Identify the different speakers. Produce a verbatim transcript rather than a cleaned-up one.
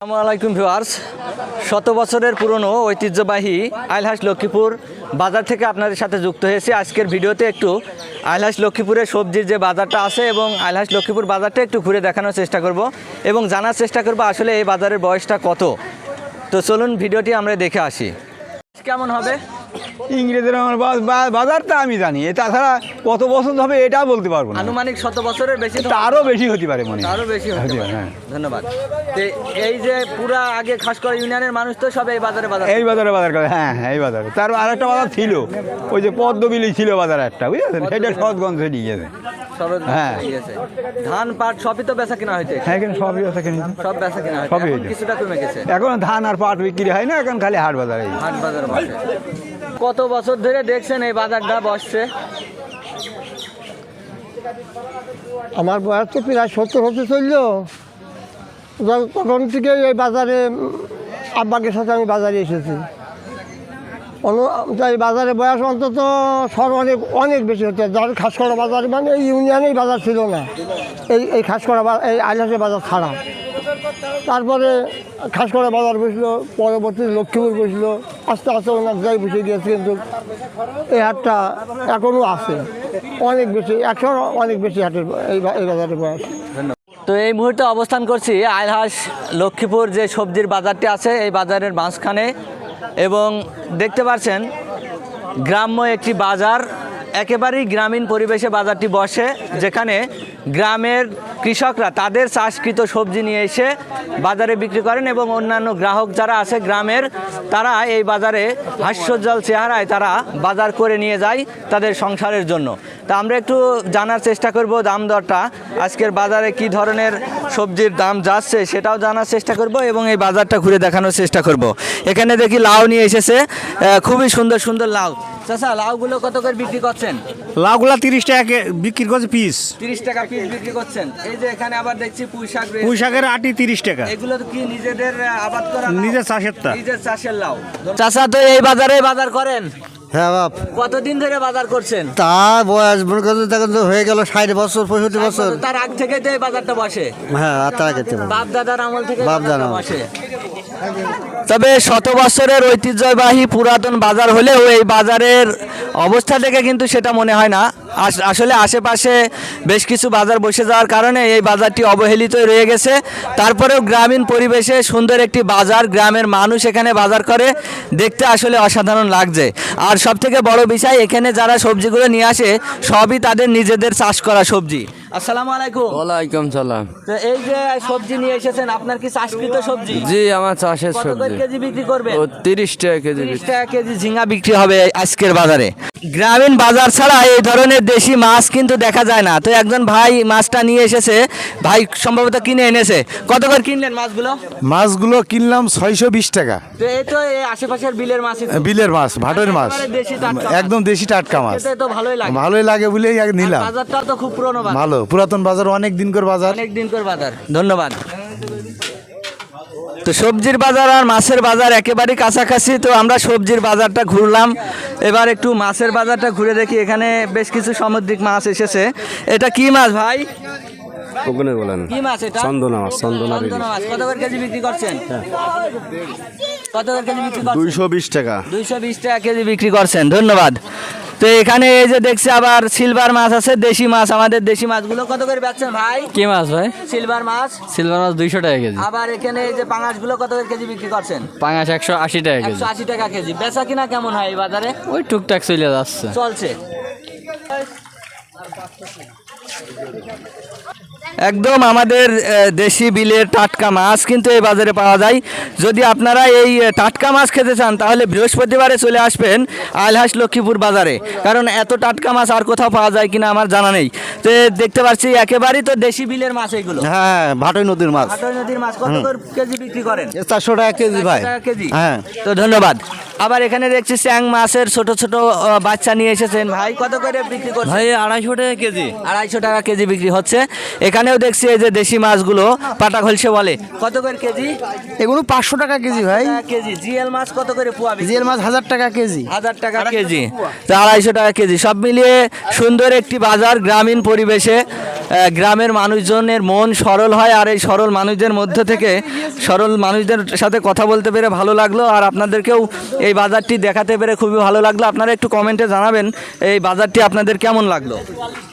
Speaker 1: আসসালামু আলাইকুম ভিউয়ার্স, শত বছরের পুরনো ঐতিহ্যবাহী আইলহাস লক্ষ্মীপুর বাজার থেকে আপনাদের সাথে যুক্ত হয়েছি। আজকের ভিডিওতে একটু আইলহাস লক্ষ্মীপুরের সবজির যে বাজারটা আছে এবং আইলহাস লক্ষ্মীপুর বাজারটা একটু ঘুরে দেখানোর চেষ্টা করব এবং জানার চেষ্টা করব আসলে এই বাজারের বয়সটা কত। তো চলুন ভিডিওটি আমরা দেখে আসি। কেমন হবে
Speaker 2: ইংরেজের আমার বাজারটা আমি জানি, তাছাড়া কত বছর হবে এটা বলতে পারবো না।
Speaker 1: আনুমানিক শত বছরের বেশি,
Speaker 2: আরও বেশি হতে পারে মনে হয়,
Speaker 1: আরো বেশি হতে পারে।
Speaker 2: হ্যাঁ,
Speaker 1: ধন্যবাদ। তো এই যে পুরা আগে খাসকরা ইউনিয়নের মানুষ তো সব এই বাজারে বাজার
Speaker 2: এই বাজারে বাজার করে। হ্যাঁ হ্যাঁ এই বাজারে। তার আরেকটা বাজার ছিল, ওই যে পদ্মবিলি ছিল বাজার একটা, বুঝেছেন, সেটা সৎগঞ্জে নিয়ে গেছে। হ্যাঁ।
Speaker 1: ধান পাট সবই তো বেচা কিনা হইতে,
Speaker 2: হ্যাঁ এখানে সবই বেচা কিনা,
Speaker 1: সব বেচা কিনা হইতে,
Speaker 2: সবই
Speaker 1: এখন
Speaker 2: হইতে।
Speaker 1: কিছুটা কমে গেছে।
Speaker 2: এখন ধান আর পাট বিক্রি হয় না, এখন খালি হাট বাজারে।
Speaker 1: হাট বাজার বসে। কত বছর ধরে দেখছেন এই বাজারটা বসছে?
Speaker 3: আমার বয়স তো প্রায় সত্তর হতে চললো। তখন থেকে এই বাজারে আব্বাকের সাথে আমি বাজারে এসেছি। এই বাজারে বয়স অন্তত সর অনেক অনেক বেশি হচ্ছে। যার খাসকরা বাজার মানে এই ইউনিয়নেই বাজার ছিল না, এই এই খাসকরা এই আইলহাসের বাজার ছাড়া। তারপরে খাসকরা বাজার বসলো, পরবর্তী লক্ষ্মীপুর বসলো, আস্তে আস্তে অনেক জায়গায় বসে গিয়েছে। কিন্তু এই হাটটা এখনও আছে, অনেক বেশি, একশো অনেক বেশি হাটের এই এই বাজারের বয়স।
Speaker 1: তো এই মুহূর্তে অবস্থান করছি আইলহাস লক্ষ্মীপুর যে সবজির বাজারটি আছে এই বাজারের মাঝখানে, এবং দেখতে পাচ্ছেন গ্রাম্য একটি বাজার, একেবারেই গ্রামীণ পরিবেশে বাজারটি বসে, যেখানে গ্রামের কৃষকরা তাদের চাষকৃত সবজি নিয়ে এসে বাজারে বিক্রি করেন এবং অন্যান্য গ্রাহক যারা আছে গ্রামের, তারা এই বাজারে হাস্যোজ্জ্বল চেহারায় তারা বাজার করে নিয়ে যায় তাদের সংসারের জন্য। তা আমরা একটু জানার চেষ্টা করব দাম দরটা, আজকের বাজারে কি ধরনের সবজির দাম যাচ্ছে সেটাও জানার চেষ্টা করব এবং এই বাজারটা ঘুরে দেখানোর চেষ্টা করব। এখানে দেখি লাউ নিয়ে এসেছে, খুবই সুন্দর সুন্দর লাউ। চাচা, লাউগুলো কত করে বিক্রি করছেন?
Speaker 4: লাউগুলা তিরিশ টাকা বিক্রি করছে পিস,
Speaker 1: তিরিশ টাকা পিস বিক্রি করছেন। এই যে এখানে আবার দেখছি পুঁই শাক,
Speaker 4: পুঁই শাকের আটি তিরিশ টাকা।
Speaker 1: এগুলো কি নিজেদের আবাদ করা?
Speaker 4: নিজের চাষের তা
Speaker 1: নিজের চাষের লাউ। চাচা তো এই বাজারে বাজার করেন?
Speaker 5: হ্যাঁ বাপ,
Speaker 1: কতদিন ধরে বাজার করছেন?
Speaker 5: তা বয়স মনে করতে তখন তো হয়ে গেল ষাট বছর পঁয়ষট্টি বছর।
Speaker 1: তার আগ থেকে তো এই বাজারটা বসে?
Speaker 5: হ্যাঁ, আর তারা খেতে
Speaker 1: বাপ দাদার আমল থেকে
Speaker 5: বাপ দাদা
Speaker 1: বসে। তবে শত বছরের ঐতিহ্যবাহী পুরাতন বাজার হলেও এই বাজারের অবস্থা থেকে কিন্তু সেটা মনে হয় না। আসলে আশেপাশে বেশ কিছু বাজার বসে যাওয়ার কারণে এই বাজারটি অবহেলিত রয়ে গেছে। তারপরেও গ্রামীণ পরিবেশে সুন্দর একটি বাজার, গ্রামের মানুষ এখানে বাজার করে, দেখতে আসলে অসাধারণ লাগছে। আর সব থেকে বড় বিষয়, এখানে যারা সবজিগুলো নিয়ে আসে সবই তাদের নিজেদের চাষ করা সবজি। আসসালামু আলাইকুম।
Speaker 6: ওয়ালাইকুম সালাম।
Speaker 1: তো এই যে সবজি নিয়ে এসেছেন, আপনার কি চাষকৃত সবজি?
Speaker 6: জি, আমার চাষের
Speaker 1: কত করে
Speaker 6: সবজি।
Speaker 1: কেজি বিক্রি করবেন?
Speaker 6: ও তিরিশ টাকা কেজি।
Speaker 1: তিরিশ টাকা কেজি ঝিঙ্গা বিক্রি হবে আজকের বাজারে। গ্রামীণ বাজার ছাড়া এই ধরনের দেশি মাছ কিন্তু দেখা যায় না। তো একজন ভাই মাছটা নিয়ে এসেছে, ভাই সম্ভবত কিনে এনেছে। কত করে কিনলেন মাছগুলো?
Speaker 4: মাছগুলো কিনলাম ছয়শো বিশ টাকা।
Speaker 1: তো এই তো এই আশেপাশের বিলের মাছ,
Speaker 4: বিলের মাছ, ভাটের মাছ,
Speaker 1: দেশি টাটকা মাছ।
Speaker 4: একদম দেশি টাটকা মাছ।
Speaker 1: খেতে তো ভালোই লাগে।
Speaker 4: ভালোই লাগে বলেই আগে নিলাম।
Speaker 1: আর বাজারটাও তো খুব পুরনো বাজার,
Speaker 4: ভালো পুরাতন বাজার, অনেক দিন করে বাজার।
Speaker 1: অনেক দিন করে বাজার। ধন্যবাদ। তো সবজির বাজার আর মাছের বাজার একেবারেই কাছাকাছি। তো আমরা সবজির বাজারটা ঘুরলাম, এবার একটু মাছের বাজারটা ঘুরে দেখি। এখানে বেশ কিছু সামুদ্রিক মাছ এসেছে। এটা কি মাছ ভাই?
Speaker 6: ওখানে বলেন
Speaker 1: কি মাছ এটা?
Speaker 6: চন্দনা মাছ। চন্দনা
Speaker 1: চন্দনা মাছ। কত করে কেজি বিক্রি করছেন? কত করে কেজি বিক্রি করছেন?
Speaker 4: দুইশো বিশ টাকা।
Speaker 1: দুইশো বিশ টাকা কেজি বিক্রি করছেন। ধন্যবাদ। তো এখানে এই যে দেখছি আবার সিলভার মাছ আছে, দেশি মাছ। আমাদের দেশি মাছগুলো কত করে বেচছেন ভাই?
Speaker 6: কি মাছ ভাই?
Speaker 1: সিলভার মাছ।
Speaker 6: সিলভার মাছ দুইশো টাকা কেজি।
Speaker 1: আবার এখানে এই যে পাঙাশ গুলো কত করে কেজি বিক্রি করছেন?
Speaker 6: পাঙাশ একশো আশি টাকা কেজি।
Speaker 1: একশো আশি টাকা কেজি। বেচা কিনা কেমন হয় এই বাজারে?
Speaker 6: ওই টুকটাক চলে যাচ্ছে,
Speaker 1: চলছে। একদম আমাদের দেশি বিলের টাটকা মাছ কিন্তু এই বাজারে পাওয়া যায়। যদি আপনারা এই টাটকা মাছ খেতে চান তাহলে বৃহস্পতিবারে চলে আসবেন আইলহাস লক্ষ্মীপুর বাজারে, কারণ এত টাটকা মাছ আর কোথাও পাওয়া যায় কিনা আমার জানা নেই। তো দেখতে পাচ্ছি একেবারেই তো দেশি বিলের মাছ এগুলো।
Speaker 5: হ্যাঁ, ভাটই নদীর মাছ।
Speaker 1: ভাটই নদীর মাছ কত করে কেজি বিক্রি করেন?
Speaker 5: চারশো টাকা কেজি ভাই।
Speaker 1: চারশো টাকা কেজি।
Speaker 5: হ্যাঁ।
Speaker 1: তো ধন্যবাদ। আবার এখানে দেখছি চ্যাং মাছের ছোট ছোট আহ, বাচ্চা নিয়ে এসেছেন ভাই, কত করে বিক্রি করছেন?
Speaker 6: ভাই আড়াইশো টাকা কেজি।
Speaker 1: আড়াইশো টাকা কেজি বিক্রি হচ্ছে। এখানেও দেখছি এই যে দেশি মাছগুলো পাটা খলসে বলে, কত করে কেজি?
Speaker 5: এগুলো পাঁচশো টাকা কেজি ভাই।
Speaker 1: টাকা কেজি। জিএল মাছ কত করে পোয়া বিক্রি?
Speaker 5: জিএল মাছ হাজার টাকা কেজি।
Speaker 1: হাজার টাকা কেজি। তো আড়াইশো টাকা কেজি। সব মিলিয়ে সুন্দর একটি বাজার, গ্রামীণ পরিবেশে। গ্রামের মানুষজনের মন সরল হয়, আর এই সরল মানুষদের মধ্যে থেকে সরল মানুষদের সাথে কথা বলতে পেরে ভালো লাগলো। আর আপনাদেরকেও এই বাজারটি দেখাতে পেরে খুবই ভালো লাগলো। আপনারা একটু কমেন্টে জানাবেন এই বাজারটি আপনাদের কেমন লাগলো।